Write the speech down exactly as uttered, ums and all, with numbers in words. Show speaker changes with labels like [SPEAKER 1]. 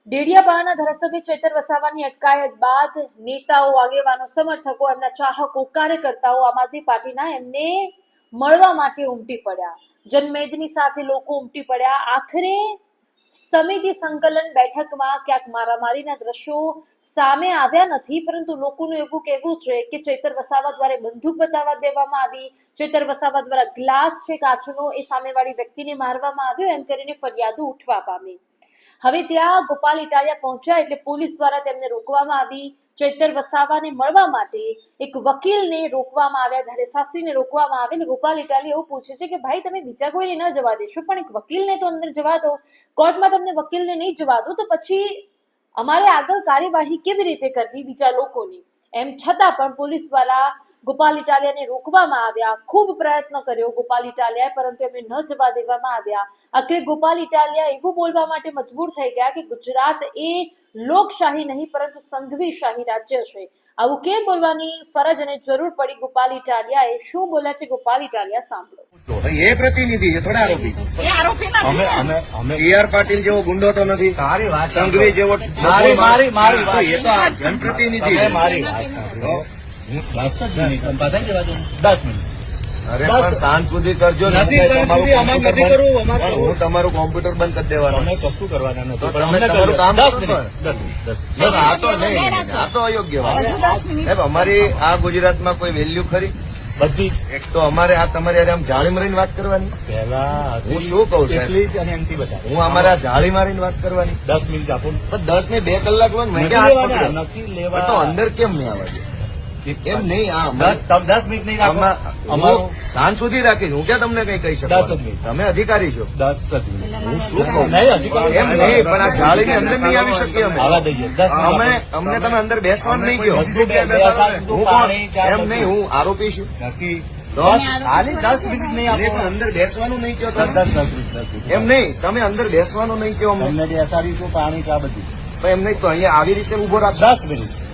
[SPEAKER 1] ડેડિયાપાડાના ધારાસભ્ય ચૈતર વસાવાની અટકાયત બાદ નેતાઓ, આગેવાનો, સમર્થકો, એમના ચાહકો, કાર્યકર્તાઓ આમ આદમી પાર્ટીના એમને મળવા માટે ઉમટી પડ્યા. જનમેદની સાથે લોકો ઉમટી પડ્યા. આખરે સમિતિ સંકલન બેઠકમાં ક્યાંક મારામારીના દ્રશ્યો સામે આવ્યા નથી, પરંતુ લોકોનું એવું કહેવું છે કે ચૈતર વસાવા દ્વારા બંદૂક બતાવવા દેવામાં આવી, ચૈતર વસાવા દ્વારા ગ્લાસ છે કાચનો એ સામેવાળી વ્યક્તિને મારવામાં આવ્યો, એમ કરીને ફરિયાદો ઉઠવા પામી. હવે ત્યાં ગોપાલ ઇટાલિયા પહોંચ્યા એટલે પોલીસ દ્વારા તેમને રોકવામાં આવી. ચૈતર વસાવાને મળવા માટે એક વકીલને રોકવામાં આવ્યા, ધારે શાસ્ત્રીને રોકવામાં આવે. અને ગોપાલ ઇટાલિયા એવું પૂછે છે કે ભાઈ તમે બીજા કોઈને ન જવા દેશો, પણ એક વકીલને તો અંદર જવા દો. કોર્ટમાં તમને વકીલને નહીં જવા દો તો પછી અમારે આગળ કાર્યવાહી કેવી રીતે કરવી બીજા લોકોની? એમ છતાં પણ પોલીસ દ્વારા ગોપાલ ઇટાલિયાને રોકવામાં આવ્યા. ખૂબ પ્રયત્ન કર્યો ગોપાલ ઇટાલિયાએ, પરંતુ એમને ન જવા દેવામાં આવ્યા. આખરે ગોપાલ ઇટાલિયા એવું બોલવા માટે મજબૂર થઈ ગયા કે ગુજરાત એ લોકશાહી નહીં પરંતુ સંઘવી શાહી રાજ્ય છે. આવું કેમ બોલવાની ફરજ અને જરૂર પડી ગોપાલ ઇટાલિયાએ? શું બોલ્યા છે ગોપાલ ઇટાલિયા સાંભળો.
[SPEAKER 2] એ પ્રતિનિધિ છે, થોડા આરોપી.
[SPEAKER 3] એ આરોપી નથી.
[SPEAKER 2] અમે અમે અમે સી આર પાટીલ જેવો ગુંડો તો નથી,
[SPEAKER 3] તારી વાત
[SPEAKER 2] સંઘવી જેવો
[SPEAKER 3] મારી મારી મારી
[SPEAKER 2] તો એ તો આ જનપ્રતિનિધિ છે.
[SPEAKER 3] મારી વાત
[SPEAKER 2] તો
[SPEAKER 3] દસ જ મિનિટ પતાવી દેવા દો. દસ મિનિટ
[SPEAKER 2] અરે પણ સાંજ સુધી કરજો ને.
[SPEAKER 3] નથી
[SPEAKER 2] તમારું
[SPEAKER 3] કરવું, અમારે
[SPEAKER 2] કોમ્પ્યુટર
[SPEAKER 3] નથી કરવું, અમારે
[SPEAKER 2] બંધ-
[SPEAKER 3] કરવું.
[SPEAKER 2] હું તમારું કોમ્પ્યુટર બંધ કરી દેવાનું.
[SPEAKER 3] અમે કશું કરવાના નથી,
[SPEAKER 2] તો
[SPEAKER 3] પણ
[SPEAKER 2] તમે
[SPEAKER 3] અમને
[SPEAKER 2] તમારું
[SPEAKER 3] કરજો.
[SPEAKER 2] કામ
[SPEAKER 3] દસ
[SPEAKER 2] કરો
[SPEAKER 3] મિનિટ
[SPEAKER 2] પણ.
[SPEAKER 3] દસ મિનિટ દસ
[SPEAKER 2] બસ આ તો નહીં, આ તો અયોગ્ય વાત છે. સાહેબ અમારી આ ગુજરાતમાં કોઈ વેલ્યુ ખરી?
[SPEAKER 3] બધી
[SPEAKER 2] એક તો અમારે આ તમારી હારે આમ જાળી મારીને વાત કરવાની.
[SPEAKER 3] પહેલા
[SPEAKER 2] હું શું કહું છું?
[SPEAKER 3] એટલી જ અને એમથી બધા
[SPEAKER 2] હું અમારા જાળી મારીને વાત કરવાની.
[SPEAKER 3] દસ મિનિટ આપો ને.
[SPEAKER 2] પણ દસ ને બે કલાક લો ને, મેં
[SPEAKER 3] નથી
[SPEAKER 2] ક્યાં હાથ
[SPEAKER 3] લેવાના,
[SPEAKER 2] પકડ્યો?
[SPEAKER 3] નથી
[SPEAKER 2] પણ
[SPEAKER 3] લેવા
[SPEAKER 2] તો અંદર કેમ નહીં આવવા દે? એમ નહીં, આ
[SPEAKER 3] દસ તમે દસ મિનિટ નહીં રાખો.
[SPEAKER 2] અમારું
[SPEAKER 3] અમારું
[SPEAKER 2] સાંજ સુધી રાખીશ. હું ક્યાં તમને કઈ કહી
[SPEAKER 3] દસ જ
[SPEAKER 2] શકું?
[SPEAKER 3] મિનિટ.
[SPEAKER 2] તમે અધિકારી છો.
[SPEAKER 3] દસ જ મિનિટ
[SPEAKER 2] હું શું કહું?
[SPEAKER 3] નહીં હજી
[SPEAKER 2] એમ નહીં, પણ આ જાળીની અંદર નહીં આવી શકીએ અમે.
[SPEAKER 3] આવવા દઈએ. દસ મિનિટ
[SPEAKER 2] અમે
[SPEAKER 3] આપો.
[SPEAKER 2] અમને તમે અંદર બેસવાનું નહીં કહો.
[SPEAKER 3] બધું બે- બે સાત
[SPEAKER 2] હું
[SPEAKER 3] બધું
[SPEAKER 2] કોણ?
[SPEAKER 3] પાણી, ચા
[SPEAKER 2] એમ
[SPEAKER 3] બધું.
[SPEAKER 2] નહીં, હું આરોપી છું.
[SPEAKER 3] નથી
[SPEAKER 2] તો
[SPEAKER 3] ખાલી દસ મિનિટ નહીં
[SPEAKER 2] અરે
[SPEAKER 3] આપો.
[SPEAKER 2] પણ અંદર બેસવાનું નહીં કહો
[SPEAKER 3] દસ
[SPEAKER 2] તમે.
[SPEAKER 3] દસ દસ મિનિટ દસ મિનિટ
[SPEAKER 2] એમ નહીં, તમે અંદર બેસવાનું નહીં કહો અમને.
[SPEAKER 3] તમને બેસાડીશું પાણી ચા બધું.
[SPEAKER 2] પણ એમ નહીં તો અહીંયા આવી રીતે ઉભો રાખશો.
[SPEAKER 3] દસ મિનિટ